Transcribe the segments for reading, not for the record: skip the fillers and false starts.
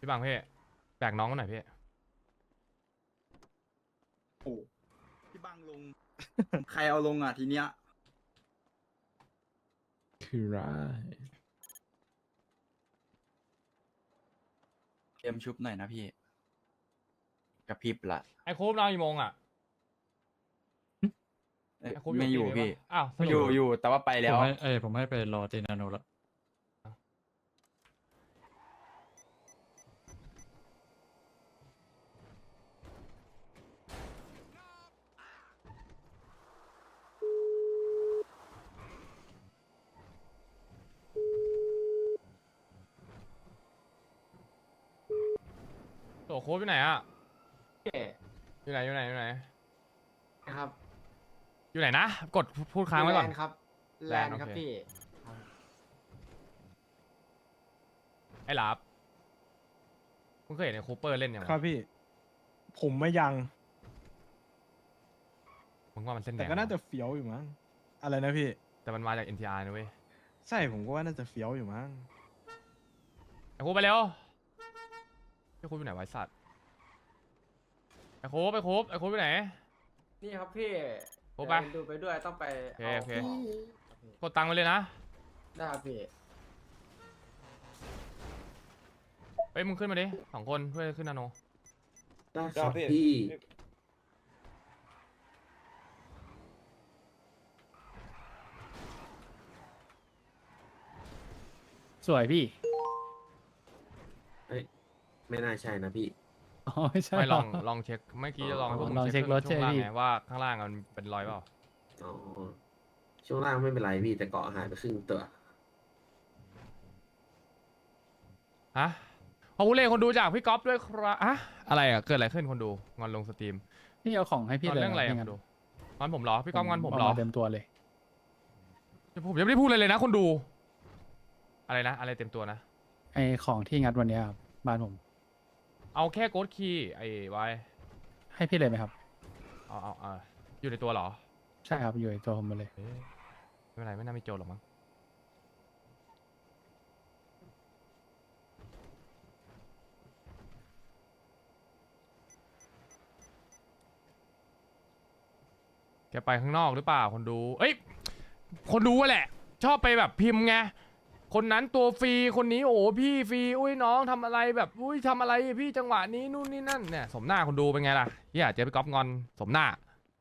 พี่บังพี่แบกน้องมาหน่อยพี่โอ้พี่บังลง ใครเอาลงอ่ะทีเนี้ยคือไรเตรียมชุบหน่อยนะพี่กระพริบละไอ้โคบนอนกี่โมงอ่ะเอ้ยไอ้โคบไม่อยู่กี่โมงพี่วะอ้าวสรุปอยู่แต่ว่าไปแล้วผมให้ไปรอตีนาโนแล้วโตโคบอยู่ไหนอ่ะอยู่ไหนอยู่ไหนอยู่ไหนครับอยู่ไหนนะกดพูดค้างไว้ก่อนแลนด์ครับแลแลนนด์ด์ครับโอเคพี่ไอ้หลับมึงเคยเห็นไอ้คูเปอร์เล่นยังครับพี่ ผมไม่ยังมึงว่ามันเส้นแดแต่งก็น่าจะเฟี้ยวอยู่มั้งอะไรนะพี่แต่มันมาจาก NTR นะเว้ยใช่ผมก็ว่าน่าจะเฟี้ยวอยู่มั้งไอ้คูไปเร็วไอ้คูอยู่ไหนไวะไอ้สัตว์ไอ้คูไปคูไอ้คูอยู่ไหนนี่ครับพี่โอ้ไปเดี๋ยวดูไปด้วยต้องไปโอเคเอาโอเคของกดตังค์ไปเลยนะได้ครับพี่เฮ้ยมึงขึ้นมาดิ2 คนเพื่อขึ้นนาโนได้ครับพี่สวยพี่ไม่น่าใช่นะพี่อ๋อไม่ใช่ไม่ลองหรลองเช็คเมื่อกี้จะลองให้พวกมึลองเช็ครถช่วงล่างใช่ไหมไงว่าข้างล่างมันเป็นรอยเปล่าอ๋อ ช่วงล่างไม่เป็นไรพี่ แต่เกาะหายไปครึ่งตัวฮะขอบคุณเลยคนดูจากพี่ก๊อฟด้วยครับอะอะไรอ่ะเกิดอะไรขึ้นคนดูงอนลงสตรีมพี่เอาของให้พี่งอนเลยเรื่องอะไรม่อ่ะคงั้นดูงอนผมเหรอพี่ก๊อฟงอนผมเหรอาาเต็มตัวเลยผมยังไม่ได้พูดอะไรเลยนะคนดู อะไรนะ อะไรเต็มตัวนะไอของที่งัดวันเนี้ยครับบ้านผมเอาแค่โกดคีย์ไอ้ไว้ให้พี่เลยไหมครับเอาอยู่ในตัวเหรอใช่ครับอยู่ในตัวผมมาเลยเอ๊ะไม่เป็นไรไม่น่ามีโจรหรอกมั้งแกไปข้างนอกหรือเปล่าคนดู เอ้ย คนดูอะแหละ ชอบไปแบบพิมพ์ไง คนนั้นตัวฟรี คนนี้โอ้พี่ฟรี อุ้ยน้องทำอะไรแบบ อุ้ยทำอะไรพี่จังหวะนี้นู่นนี่นั่นเนี่ยสมหน้าคนดูเป็นไงล่ะเฮียเจอไปก๊อปงอนสมหน้า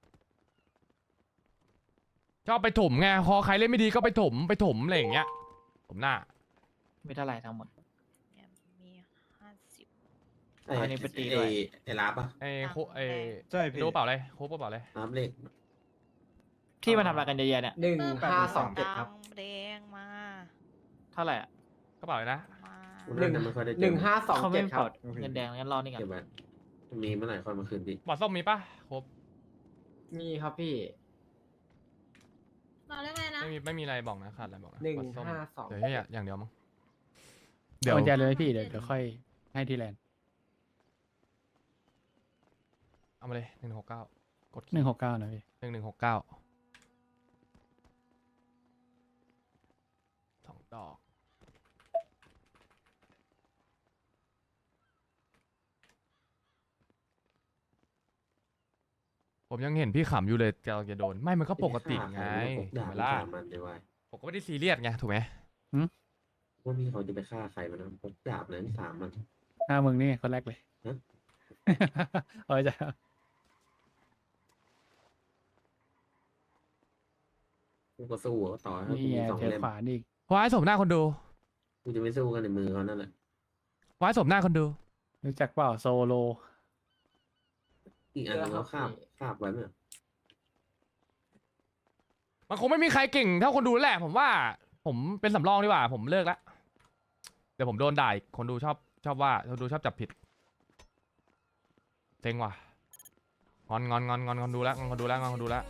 ชอบไปถมไงพอใครเล่นไม่ดีก็ไปถมอะไรอย่างเงี้ยสมหน้าไม่เท่าไหร่ทั้งหมดเนี่ยมี50 อันนี้ไปตีด้วยไอ้รับอ่ะไอ้โคไอ้ใช่พี่ดูเปล่าเลยโคกเปล่าเลยรับเลขที่มันทำอะไรกันเยอะๆเนี่ย 1527ครับแดงมาเท่าไหร่อ่ะก็เปล่าเลยนะมากูน่าจะไม่ค่อยได้เจอเขาไม่ 1527คปรัลบดเงินแดงงั้นรอนี่กันเก็บไว้มีเมื่อไหร่ค่อยมาคืนพี่บอดส้มมีปะครบมีครับพี่มาเรื่องอะไรนะไม่มีอะไรบอกนะขาดอะไรบอกนะหนึ่งบอดส้มห้าสองเดี๋ยวแค่อย่างเดียวมั้งเดี๋ยวใจเลยไหมพี่เดี๋ยวค่อยให้ที่แลนด์เอามาเลย169กด 169นะพี่ 1169 2 ดอกผมยังเห็นพี่ขำอยู่เลยจะโดนไม่มันก็ปกติไงม่ถูด้กฆ่าไหมล่ะใครมันพกดาบสามันเลยว่ะผมก็ไม่ได้ซีเรียสไงถูกไหมว่าพี่เขาจะไปฆ่าใครมันนะพกดาบนั้นสามมันหน้ามึงนี่คนแรกเลยฮะเอาใจกูก็สู้อะต่อให้นี่กูไงมี2 เจอเล่มขวานอีกว้ายสมหน้าคนดูกูจะไม่สู้กันในมือเขานั่นแหละว้ายสมหน้าคนดูรู้จักเปล่าโซโลอีกอันนึงเขาคาบไว้ไหมมันคงไม่มีใครเก่งเท่าคนดูแหละ ผมว่า ผมเป็นสำรองดีกว่า ผมเลิกละเดี๋ยวผมโดนด่าอีกคนดูชอบว่าคนดูชอบจับผิดเซ็งว่ะงอนคนดูแล้วงอนคนดูแล้ว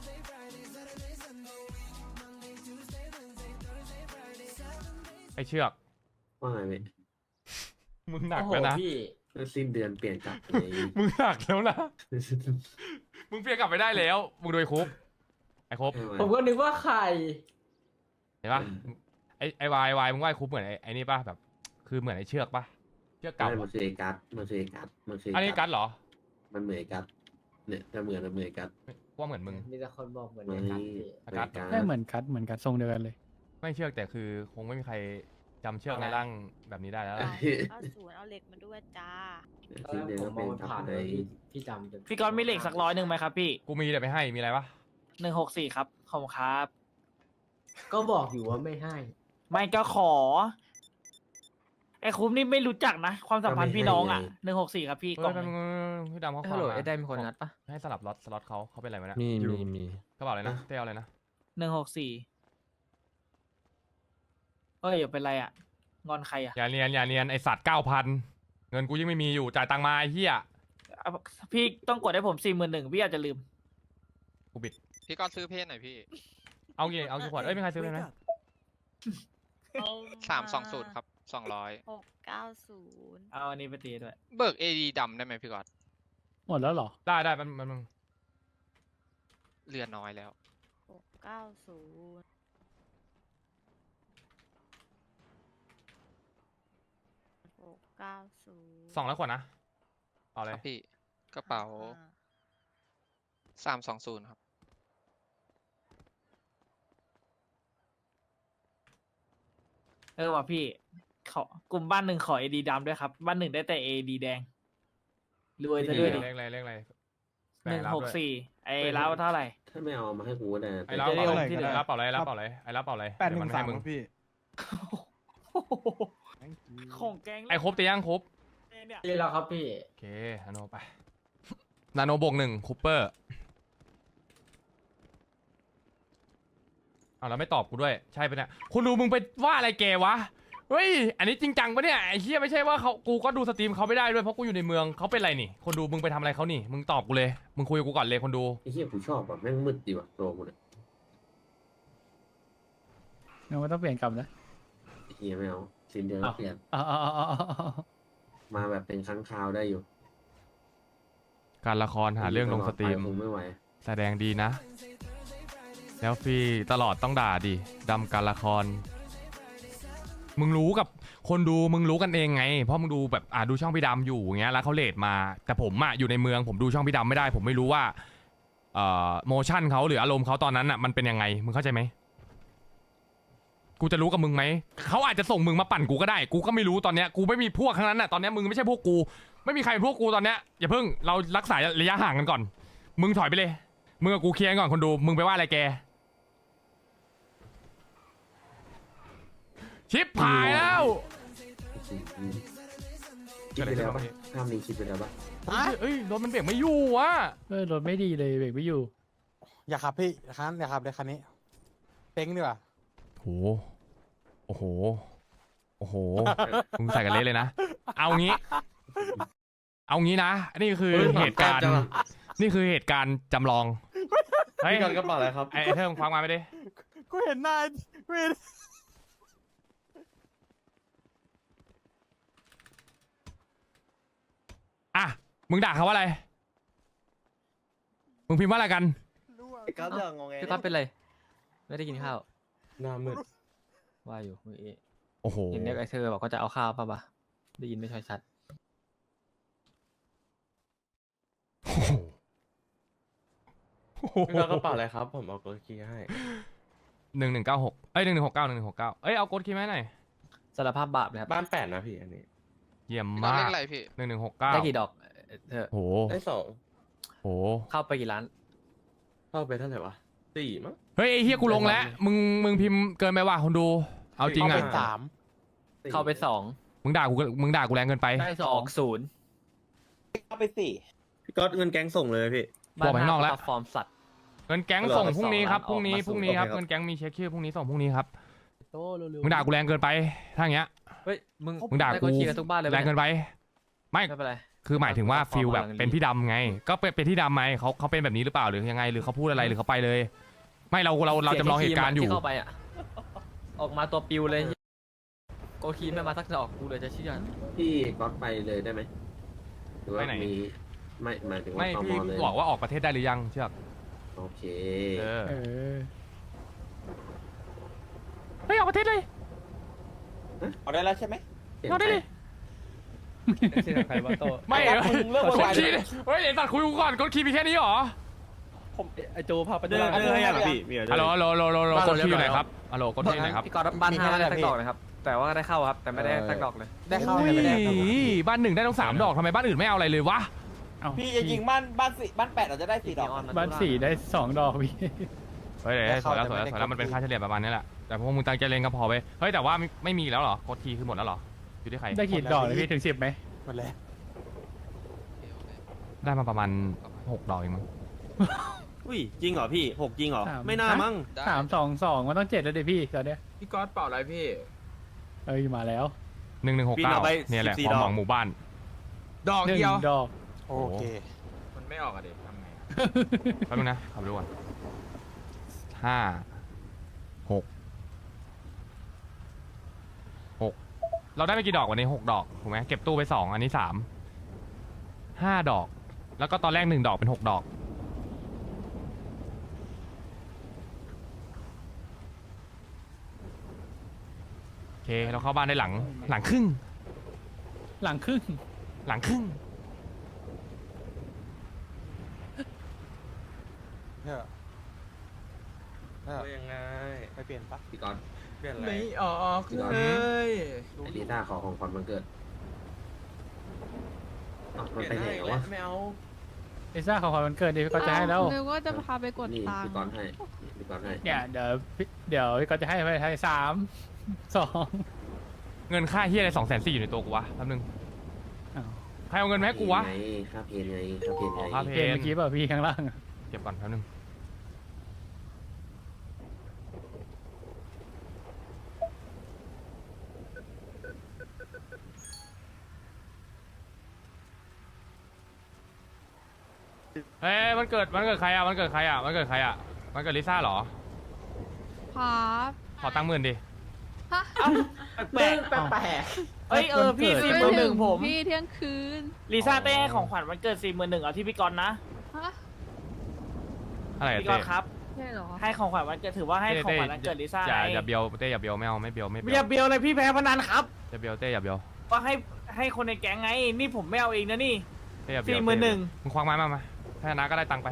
ไอเชือกว่าไงเว้ยมึงหนักโอ้โหแล้วนะพี่แล้วสิ้นเดือนเปลี่ยนกลับเลยมึงหนักแล้วนะ มึงเปลี่ยนกลับไปได้แล้ว มึงโดยคุบไอ้คุบผมก็นึกว่าใครเห็นปะไอ้วายมึงว่าไอ้คุบเหมือนไอ้นี่ปะแบบ คือเหมือนไอ้เชือกปะเชือกเก่าไม่เหรมัอนคือไอ้กัสมันคือไอ้กัสมันคืออันนี้กัดเหรอมันเหมือนไอ้กัสเนี่ยถ้าเหมือนมันเหมือนไอ้กัสว่าเหมือนมึงมีแต่คนบอกเหมือนมันในกัดนี่พี่กัสได้เหมือนกัดทรงเดียวกันเลยไม่เชือกแต่คือคงไม่มีใครจำเชือกในร่างแบบนี้ได้แล้วล่ะเอาศูนย์เอาเหล็กมาด้วยจ้าตอนแรกผมมองมันผ่านเลยพี่จำจนพี่ก๊อตมีเหล็กสัก100ไหมครับพี่กูมีแต่ไม่ให้มีอะไรปะ 164ครับขอบคุณครับก็บอกอยู่ว่าไม่ให้ไม่ก็ขอไอ้คุ้มนี่ไม่รู้จักนะ ความสัมพันธ์พี่น้องอ่ะ164ครับพี่กล่เฮ้องยแป๊บนึงพี่ดำเขาฮัลโหลฝากมาไอ้ได้มีคนงัดปะให้สลับสล็อตเขาเป็นอะไรไหมนะมีกระเป๋าอะไรนะเต้เอาอะไรนะ 164เฮ้ยอย่าเป็นไรอ่ะ งอนใครอ่ะอย่าเนียนไอสัตว์9,000เงินกูยังไม่มีอยู่จ่ายตังค์มาไอ้เหี้ยเอาพี่ต้องกดให้ผม41,000พี่อาจจะลืมกูบิดพี่ก็ซื้อเพศหน่อยพี่เอากี่ขวดเอ้ยไม่ใครซื้อเลยไหม 320ครับ200 690 เอาอันนี้ไปตีด้วยเบิก AD ดำได้ไหมพี่ก๊อตหมดแล้วเหรอได้มันเรือน้อยแล้ว 690 690 200ขวดนะเอาเลคยรับพี่กระเป๋า 320ครับว่ะพี่ขอกลุ่มบ้านหนึ่งขอ AD ดำด้วยครับ บ้านหนึ่งได้แต่ AD แดงรวยซะด้วยดิเลขอะไร 164ไอ้แล้วเท่าไหร่ถ้าไม่เอามาให้กูก็ได้ไอ้รับจะได้เป่าเอาอะไรที่เหลือรับเป่าอะไรรับเป่าอะไรไอ้รับเป่าอะไร 813 เดี๋ยวมันให้มึงครับพี่ของแกงไอ้ครบตียังครบเนี่ยนี่แล้วครับพี่โอเคนาโนไปนาโนบวก1คูเปอร์เอาแล้วไม่ตอบกูด้วยใช่ปะเนี่ยคุณดูมึงไปว่าอะไรแกวะเฮ้ยอันนี้จริงจังปะเนี่ยไอ้เหี้ยไม่ใช่ว่ากูก็ดูสตรีมเขาไม่ได้ด้วยเพราะกูอยู่ในเมืองเขาเป็นไรนี่คนดูมึงไปทำอะไรเขานี่มึงตอบกูเลยมึงคุยกับกูก่อนเลยคนดูไอ้เหี้ยกูชอบแบบแม่งมืดดีว่ะตัวกูเนี่ยงั้นก็ต้องเปลี่ยนกลับนะไอ้เหี้ยไม่เอาสิ้นเดือนเปลี่ยนอ๋อมาแบบเป็นครั้งคราวได้อยู่การละครหาเรื่องลงสตรีมคงไม่ไหวแสดงดีนะ แล้วฟรีตลอดต้องด่าดิดำการละคร มึงรู้กับคนดูมึงรู้กันเองไง เพราะมึงดูแบบดูช่องพี่ดำอยู่อย่างเงี้ยแล้วเขาเลทมา แต่ผมอยู่ในเมืองผมดูช่องพี่ดำไม่ได้ ผมไม่รู้ว่าโมชั่นเขาหรืออารมณ์เขาตอนนั้นมันเป็นยังไงมึงเข้าใจไหมกูจะรู้กับมึงไหมเขาอาจจะส่งมึงมาปั่นกูก็ได้ กูก็ไม่รู้ตอนเนี้ยกูไม่มีพวกทั้งนั้นตอนเนี้ยมึงไม่ใช่พวกกูไม่มีใครเป็นพวกกูตอนเนี้ยอย่าเพิ่งเรารักษาระยะห่างกันก่อน มึงถอยไปเลยมึงกับกูเคลียร์กันก่อนคนดูมึงไปว่าอะไรแกชิปหายแล้วคิดไปแล้วปะภาพนี้คิดไปแล้วปะเอ้ยรถมันเบรกไม่อยู่อ่ะรถไม่ดีเลยเบรกไม่อยู่อย่าขับพี่อย่าขับเลยคันนี้เป้งดีกว่าโอ้โหมึงใส่กันเละเลยนะเอางี้นะนี่คือเหตุการณ์นี่คือเหตุการณ์จำลองเฮ้ยกระเป๋าอะไรครับไอ้เทิงฟังมาไปดิกูเห็นหน้ากูเห็นอ่ะมึงด่าเขาว่าอะไรมึงพิมพ์ว่าอะไรกันก็เรื่องงงไงพี่ก๊อตเป็นไรไม่ได้กินข้าวหน้ามืดว่าอยู่เมื่อกี้โอ้โหเห็นเด็กไอเธอบอกก็จะเอาข้าวป่ะปะได้ยินไม่ค่อยชัดพี่กระเป๋าอะไรครับ ผมเอากดคีย์ให้ 1196เอ้ย1169เอ้ยเอากดคีย์ไหมาให้หน่อยสารภาพบาปเลยครับบ้าน8นะพี่อันนี้เยี่ยมพี่ก๊อตมาเลกขอะไรพี่ 1169 ได้กี่ดอกเธอโหได้2 โหเข้าไปกี่ร้านเข้าไปเท่าไหร่วะ4มั้งเฮ้ยไอ้เฮียกูลงแล้วมึงพิมพ์เกินไปว่ะคนดูเอาจริงเข้าอ่ะไปเข้าไป2 มึงด่ากูแรงเกินไปได้20 เข้าไป4พี่ก๊อตเงินแก๊งส่งเลยพี่บอกไปข้างนอกแล้วฟอร์มสัตว์เงินแก๊งส่งพรุ่งนี้ครับอพอกรุ่งมานี้สู่พรุ่งนี้ครับโอเคครับเงินแก๊งมีเช็คชื่อพรุ่งนี้ส่งพรุ่งนี้ครับโตเร็วมึงด่ากูแรงเกินไปถ้าอย่างเงี้ยเฮ้ยมึงมึงด่าได้กูคีย์กันทุกบ้านเลยแรงเกินไปไม่ไม่เป็นไรคือหมายถึงว่าเอาฟิลแบบเอาเป็นพี่ดำไง ก็เป็นที่ดำไหมเขาเป็นแบบนี้หรือเปล่าหรือยังไงหรือเขาพูดอะไรหรือเขาไปเลย ไม่เราจำลองเหตุการณ์อยู่ที่เข้าไปอ่ะออกมาตัวปิวเลยโกคีไม่มาสักดอกกูเลยจะเชื่อพี่ก๊อตไปเลยได้ไหมหรือว่าไปไหนมีไม่หมายถึงว่าไม่ตมพี่เลยบอกว่าออกประเทศได้หรือยังเชือกโอเคเออเออเฮ้ยออกประเทศเลยเอาได้แล้วใช่ไหมเปลี่ยนเอาได้ใจดิใครวะโตไม่มึงเลิกกโวดยวายคีย์เฮ้ยไอ้ตัดคุยกูก่อนกดคีย์มีแค่นี้เหรอผมไอโจพาไปเดินให้ยังพี่มีอะไรฮัลโหลฮัลโหลฮัลโหลฮัลโหลกดคีย์อยู่ไหนครับฮัลโหลกดคีย์อยู่ไหนครับพี่กอล์ฟบ้านห้าได้สักดอกนะครับ แต่ว่าได้เข้าครับ แต่ไม่ได้สักดอกเลยได้เข้าแต่ไม่ได้บ้านหนึ่งได้ต้อง3 ดอกทำไมบ้านอื่นไม่เอาอะไรเลยวะเอ้าพี่จริงๆบ้าน8เราจะได้4 ดอกบ้าน4ได้2 ดอกพี่เฮ้ยเดี๋ยวสวยแล้วสวยแล้วสวยแล้วมันเป็นค่าเฉลี่ยประมาณนี้แหละแต่พวกมึงตั้งใจเล่นก็พอไปเฮ้ยแต่ว่าไม่มีแล้วเหรอกดคีย์คือหมดแล้วเหรออยู่ที่ใครได้กี่ดอกเลยพี่ถึง10ไหมหมดแล้วได้มาประมาณ6 ดอกเองมั้งอุ้ยจริงเหรอพี่6จริงเหรอสามไม่น่ามั้ง 3 2 2มันต้อง7แล้วดิพี่ตอนเนี้ยพี่ก๊อตเป่าอะไรพี่เอ้ยมาแล้ว 1169เนี่ยแหละความหวังหมู่บ้านดอกเดียว 1 ดอกโอเคมันไม่ออกอะเด็กทำไงแป๊บนึงนะขับดูก่อน5 6 เราได้ไปกี่ดอกวันนี้6 ดอกถูกไหมเก็บตู้ไป2อันนี้5 ดอก แล้วก็ตอนแรก1 ดอกเป็น6 ดอกโอเคเราเข้าบ้านได้หลังครึ่งหลังครึ่งหลังครึ่งยังไงไปเปลี่ยนปะพี่ก๊อตเปลี่ยนอะไรไม่ออกพี่ก๊อตเลยไอลิซ่าขอของขวัญวันเกิดเอ้าเปมันลี่ยนไปไหนให้วะไม่เอาลิซ่าขอความวันเกิดดิพี่ก็จะให้แล้วนึกว่าจะพาไปกดนี่ตังพี่ค์ก๊อตให้พี่ก๊อตให้เนี่ยเดี๋ยวพี่ก็จะให้ไปให้3 2 เงินค่าเฮียอะไร240,000อยู่ในตัวกูวะแป๊บนึงอ้าวใครเอาเงินมาให้กูวะไงค่าเพลงไงค่าเพลงไงอ๋อค่าเพลเพลงเมื่อกี้เปล่าพี่ข้างล่างอะเก็บก่อนแป๊บนึงเฮ้ยมันเกิดใครอ่ะมันเกิดใครอ่ะมันเกิดลิซ่าเหรอครับขอตังค์10,000ดิแปลกแปลกเอ้ยพี่วันเกิด 41,000ผมพี่เที่ยงคืนลิซ่าเต้ให้ของขวัญวันเกิด41,000เอาที่พี่กอนนะฮะอะไรอะพี่กเต้อนครับใช่เหรอให้ของขวัญวันเกิดถือว่าให้ของขวัญวันเกิดลิซ่าอย่าเบียวเต้อย่าเบียวไม่เอาไม่เบียวอย่าเบียวเลยพี่แพ้พนันครับอย่าเบียวเต้อย่าเบียวว่าให้คนในแก๊งไง นี่ผมไม่เอาเองนะนี่เต้อย่าเบียว 41,000 มึงควักไม้มาถ้าชนะก็ได้ตังค์ไป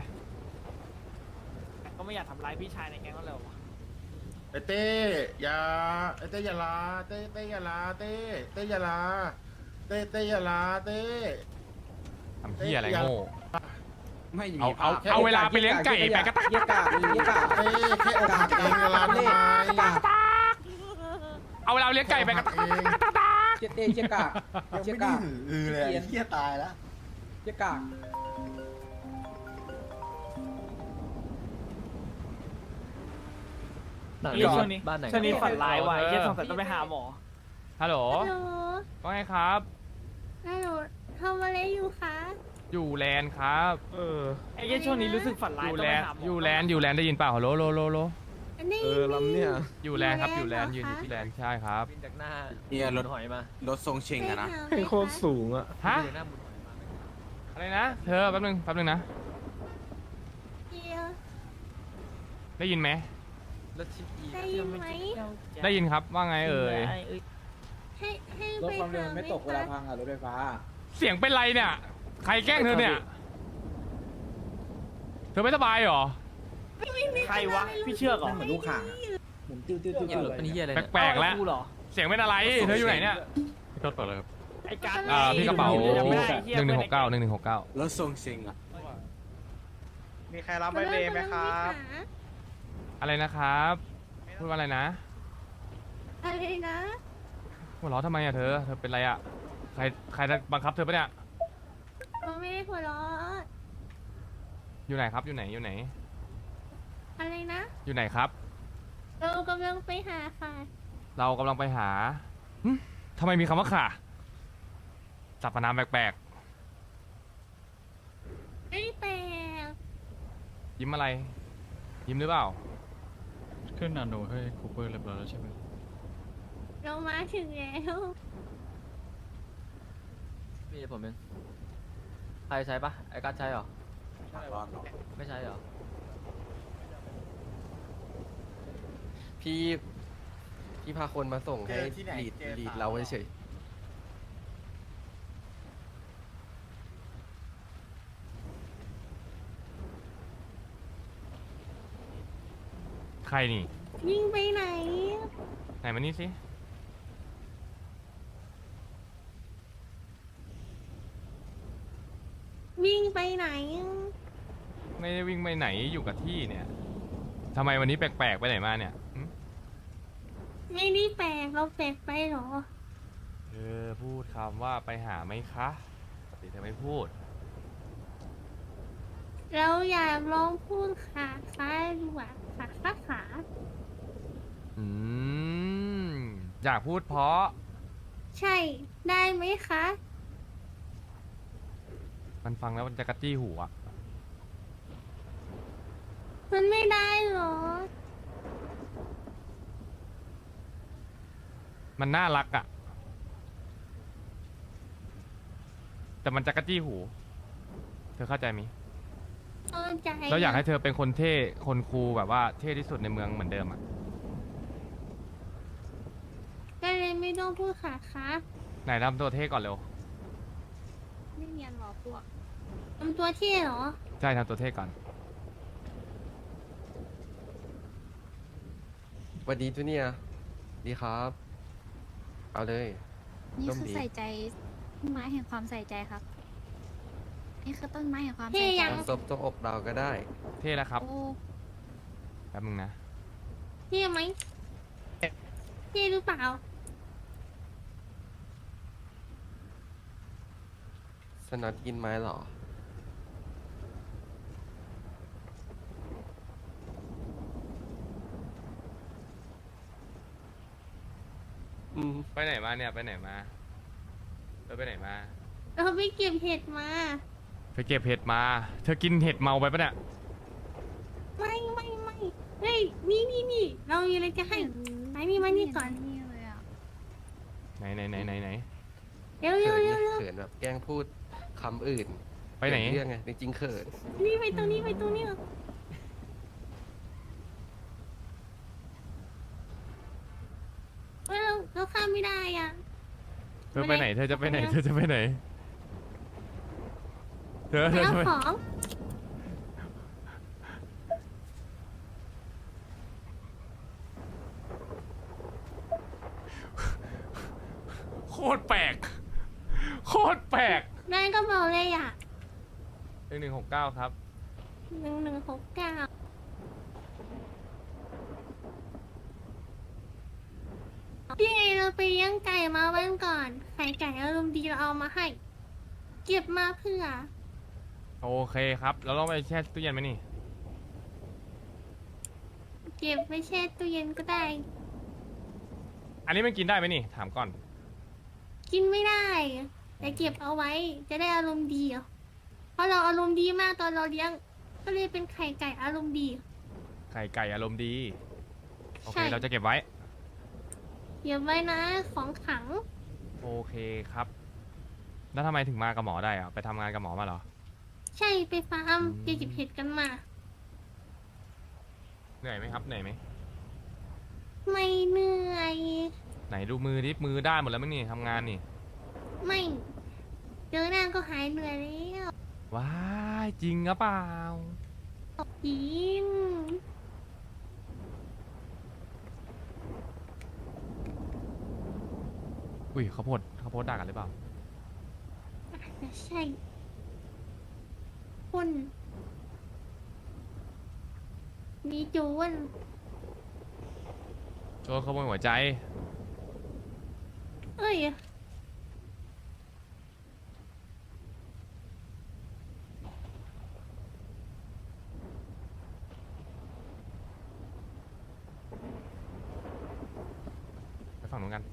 ก็ไม่อยากทำร้ายพี่ชายในแก๊งก็เลยวะไอเต้อย่าไอเต้อย่าลาเต้อย่าลาเต้อย่าลาเต้อย่าลาเต้ทำเหี้ยอะไรโง่ไม่มีเอาเวลาไปเลี้ยงไก่ไปกระตักเต้แค่อกหักเองอย่าลาทำไมเอาเวลาไปเลี้ยงไก่ไปกระตักเองเจ๊เจ๊กากยังไม่ได้หือเลยเฮียตายแล้วเจ๊กากช่วงนี้บ้านไหนช่วงนี้ฝันร้ายว่ะไอ้เหี้ยสงสัยต้องไปหาหมอฮัลโหลฮัลโหลว่าไงครับฮัลโหลทำอะไรอยู่คะอยู่แลนด์ครับไอ้เหี้ยช่วงนี้รู้สึกฝันอร้ายยู่ต้องแลไปนด์หาหมออยู่แลนด์ได้ยินเปล่าฮัลโหลโลอันนี้ลำเนี่ยอยู่แลนด์ครับอยู่แลนด์ยืนอยู่ที่แลนด์ใช่ครับบินจากหน้าเนี่ยรถหอยมารถทรงเชงอะนะโคตรสูงอ่ะฮะบินจากหน้าบุญหอยมาอะไรนะเธอแป๊บนึงนะเดียวได้ยินไหมรถชิปอีได้ยินไหมได้ยินครับว่าไงเอ่ยให้รถไปความเร็วมันไม่ตกเวลาหาพังอะรถไฟฟ้าเสียงเป็นไรเนี่ยใครแกล้งเธอเนี่ยเธอไม่สบายเหรอใครวะ พี่เชื่อเหรอเหมือนลูกข่างอะหมุนติ้วติ้วติ้วเนี่ยรถเป็นเหี้ยอะไรเนี่ยแปลกๆแล้วกูเหรอเสียงเป็นอะไรเธออยู่ไหนเนี่ยพี่ก็เปิดเลยครับไอ้การ์ดพี่กระเป๋าจำไม่ได้ไอ้เหี้ย 1169 รถทรงเชงอะมีใครรับไม่เบย์ไหมครับอะไรนะครับพูดว่าอะไรนะอะไรนะหัวเราะทำไมอะเธอเป็นไรอะใครบังคับเธอปะเนี่ยเราไม่ได้หัวเราะอยู่ไหนครับอยู่ไหนอะไรนะอยู่ไหนครับเรากำลังไปหาค่ะเรากำลังไปหาหึทำไมมีคำว่าข่าสรรพนามแปลกไม่แปลกๆยิ้มอะไร ยิ้มหรือเปล่าขึ้นนาโนให้คูเปอร์เรียบร้อยแล้วใช่ไหมเรามาถึงแล้วมีผมเองใครใช้ปะไอ้การดใช้เหรอ ไม่ใช่เหรอ พี่พาคนมาส่งให้ลีดเราเฉยใครนี่วิ่งไปไหนไหนมานี่สิวิ่งไปไหนไม่ได้วิ่งไปไหนอยู่กับที่เนี่ยทำไมวันนี้แปลกๆไปไหนมาเนี่ยหึไม่ได้แปลกเราแปลกไปเหรอเธอพูดคำว่าไปหาไหมคะปกติเธอไม่พูดเราอยากลองพูดขาดูอ่ะขาอืมอยากพูดเพราะใช่ได้ไหมคะมันฟังแล้วมันจะกระจี้หูอะมันไม่ได้เหรอมันน่ารักอะแต่มันจะกระจี้หู เธอเข้าใจไหมยเข้าใจเราอยากให้เธอเป็นคนเท่คนคูลแบบว่าเท่ที่สุดในเมืองเหมือนเดิมอะก็เลยไม่ต้องพูดขาไหนทำตัวเท่ก่อนเร็วไม่เนียนหรอพวกทำตัวเท่เหรอใช่ทำตัวเท่ก่อนสวัสดีจูเนียร์ดีครับ เอาเลยนี่ร่มคือดีใส่ใจต้นไม้แห่งความใส่ใจครับ นี่คือต้นไม้แห่งความเท่ใส่ใจยังซบตรงอกเราก็ได้เท่แล้วครับโอ้แป๊บนึงนะเท่ไหมเท่หรือเปล่าสนัดกินไม้เหรอ อืมไปไหนมาเนี่ยไปไหนมาเธอไปไหนมาเราไปเก็บเห็ดมาไปเก็บเห็ดมา เธอกินเห็ดเมาไปปะเนี่ยไม่เฮ้ยนี่เรามีอะไรจะให้ไปนี่มานี่ก่อนนี่เลยอ่ะไหนเร็วเขินไงเขินแบบแกล้งพูดคำอื่นไปไหนเขิเรื่องไง จริงๆเขินนี่ไปตรงนี้เราข้ามไม่ได้อ่ะเธอไปไหน เธอจะไปไหนไปไหนเธอจะไปไหน เธอไปจะเอาไปของโคตรแปลก โคตรแปลกได้ก็บอกเลยอ่ะ 1169ครับ 1169พี่ไงเราไปเลี้ยงไก่มาวันก่อน ไข่ไก่อารมณ์ดีเราเอามาให้ เก็บมาเพื่อโอเคครับ เราต้องไปแช่ตู้เย็นไหมนี่เก็บไปแช่ตู้เย็นก็ได้อันนี้มันกินได้ไหมนี่ ถามก่อนกินไม่ได้ แต่เก็บเอาไว้จะได้อารมณ์ดีอะเพราะเราอารมณ์ดีมากตอนเราเลี้ยง ก็เลยเป็นไข่ไก่อารมณ์ดีไข่ไก่อารมณ์ดี โอเคใช่เราจะเก็บไว้เก็บไว้นะของขังโอเคครับ แล้วทำไมถึงมากับหมอได้อะไปทำงานกับหมอมาเหรอใช่ไปฟาร์มไปเก็บเห็ดกันมาเหนื่อยไหมครับ เหนื่อยไหมไม่เหนื่อยไหนดูมือดิ มือได้หมดแล้วมั้งนี่ทำงานนี่ไม่เจอหน้าก็หายเหนื่อยแล้วว้ายจริงหรือเปล่าจริงอุ้ยเขาโพดด่ากันหรือเปล่าอาจจะใช่คนมีโจรโจรขโมยหัวใจเอ้ยไปฝั่งนู้นกัน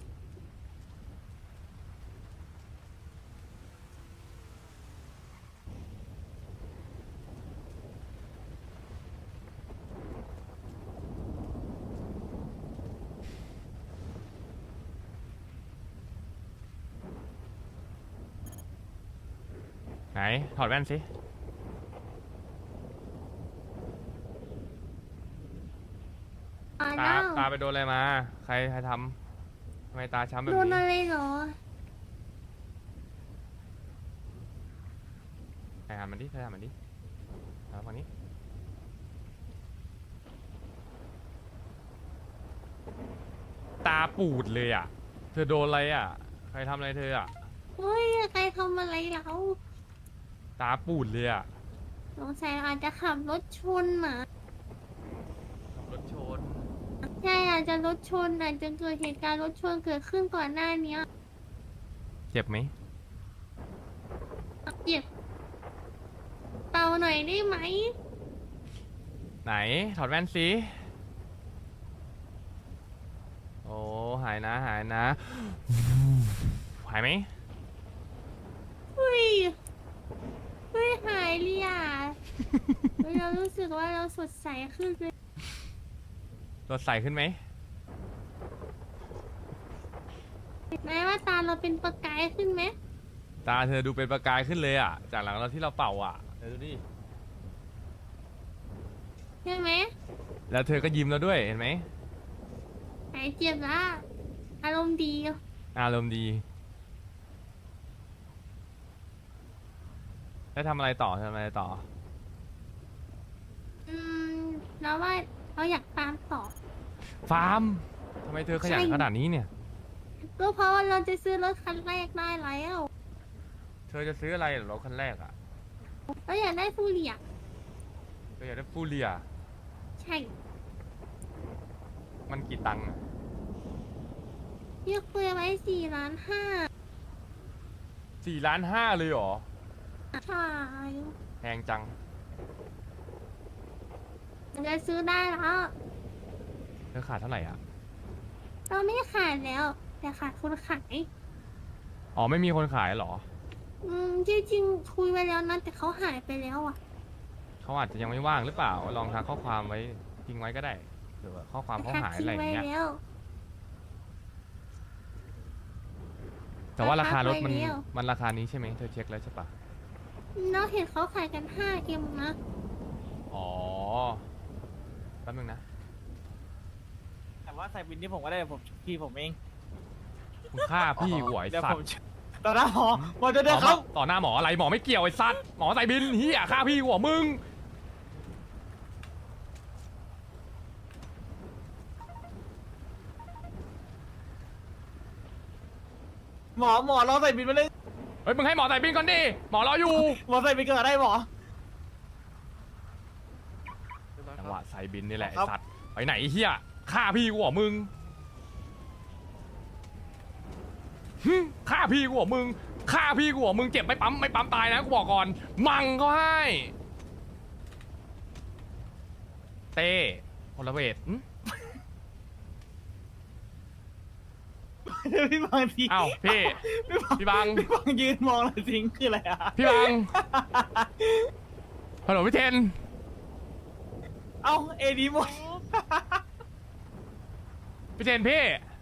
ไหน ถอดแว่นสิอ่าตาน้าตาไปโดนอะไรมา ใครทำทำไมตาช้ำแบบโดนนี้อะไรเหรอใครทำมันดิใครทำมันดิเอาฝั่งนี้ปูดเลยอ่ะ เธอโดนอะไรอ่ะ ใครทำอะไรเธออ่ะเฮ้ยใครทำอะไรเราตาปูดเลยอ่ะสงสัยอาจจะขับรถชนหมาขับรถชนใช่อาจจะรถชนอาจจะเกิดเหตุการณ์รถชนเกิดขึ้นก่อนหน้านี้เจ็บไหมเจ็บเป่าหน่อยได้ไหมไหน ถอดแว่นสิโอ้ หายนะ หายนะ หายไหมเฮ้ยเฮ้ยหายเลยอ่ะ เฮ้ยเรารู้สึกว่าเราสดใสขึ้นเลยรถใสขึ้นไหมแม้ว่าตาเราเป็นประกายขึ้นไหมตาเธอดูเป็นประกายขึ้นเลยอ่ะ จากหลังเราที่เราเป่าอ่ะเธอดูดิใช่ไหมแล้วเธอก็ยิ้มแล้วด้วย เห็นไหมหายเจ็บละอารมณ์ดีอารมณ์ดี แล้วทำอะไรต่อ ทำอะไรต่ออืมเราว่าเราอยากตามต่อฟาร์มทำไมเธอขยันใช่ขนาดนี้เนี่ยก็เพราะว่าเราจะซื้อรถคันแรกได้แล้วเธอจะซื้ออะไรเหรอรถคันแรกอ่ะเราอยากได้ฟูเรียเธออยากได้ฟูเรียใช่มันกี่ตังค์อะพี่คุยไว้4,500,000 4,500,000เลยเหรอใช่แพงจังมันจะซื้อได้แล้วเธอขาดเท่าไหร่อ่ะเราไม่ขายแล้ว แต่ขาดคนขายอ๋อ ไม่มีคนขายเหรอจริงๆคุยไว้แล้วนะแต่เขาหายไปแล้วอ่ะเขาอาจจะยังไม่ว่างหรือเปล่า ลองทักข้อความไว้ทิ้งไว้ก็ได้เผื่อว่าข้อความเขาหายอะไรอย่างเงี้ยแล้วแต่ว่าราคารถมันทักไว้แล้วมันราคานี้ใช่ไหมเธอเช็คแล้วใช่ปะเราเห็นเขาขายกัน5เกมนะอ๋อ แป๊บนึงนะแต่ว่าใส่บินที่ผมก็ได้ผมพี่ผมเองคุณฆ่าพี่หวยเดี๋ยวสัผตมว์ต่อหน้าหมอหมอจะได้ครับต่อหน้าหมออะไรหมอไม่เกี่ยวไอ้สัตว์หมอใส่บินเฮียฆ่าพี่หัวมึงหมอเราใส่บินมาเลยเฮ้ยมึงให้หมอใส่บินก่อนดิ หมอรออยู่หมอใส่บินเกิดได้หมอจังหวะใส่บินนี่แหละไอ้ครับสัตว์ไปไหนไอ้เฮียฆ่าพี่หัวมึงหึฆ่าพี่หัวมึงฆ่าพี่หัวมึงเจ็บไม่ปั๊มตายนะกูบอกก่อน มังก็ให้ เต้พลเวทหึพี่บางทีอ้าวพี่ พี่บังพี่บางยืนมองเลยทิ้งคืออะไรอะพี่บัง ฮัลโหลพี่เทนเอ้าเอดีหมดพี่เทนพี่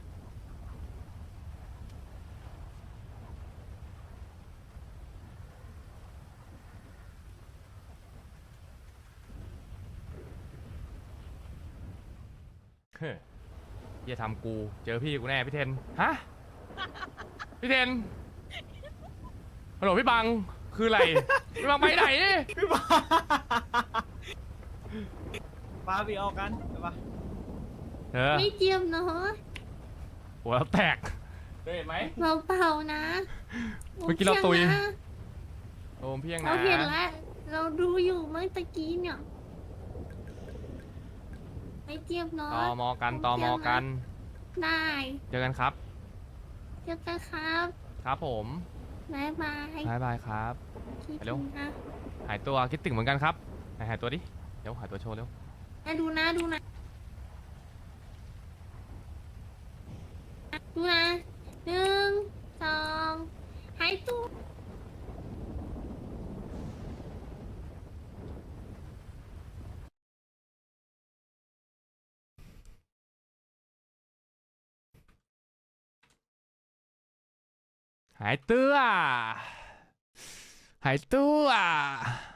เฮ้ยอย่าทำกู เจอพี่กูแน่พี่เทน ฮะ พี่เทน ฮัลโหลพี่บัง คืออะไร พี่บังไปไหนพี่บางปาพี่ออกกันไปปะเธอไม่เจียมเนาะหัวเราแตกเธอเห็นไหมเราเปล่านะเมื่อกี้เราตุยโอคนะโอมพี่ยังเรานะเห็นแล้วเราดูอยู่เมื่อตะกี้เนี่ยไม่เจียมเนาะตอมอกันตอมอกันได้เจอกันครับเจอกันครับครับผมบ๊ายบายบายบายครับคิดไปเร็วถึงนะหายตัวคิดถึงเหมือนกันครับไหนหายตัวดิ เดี๋ยวหายตัวโชว์เร็วดูนะดูนะ1 2หายตัวหายตัว หายตัว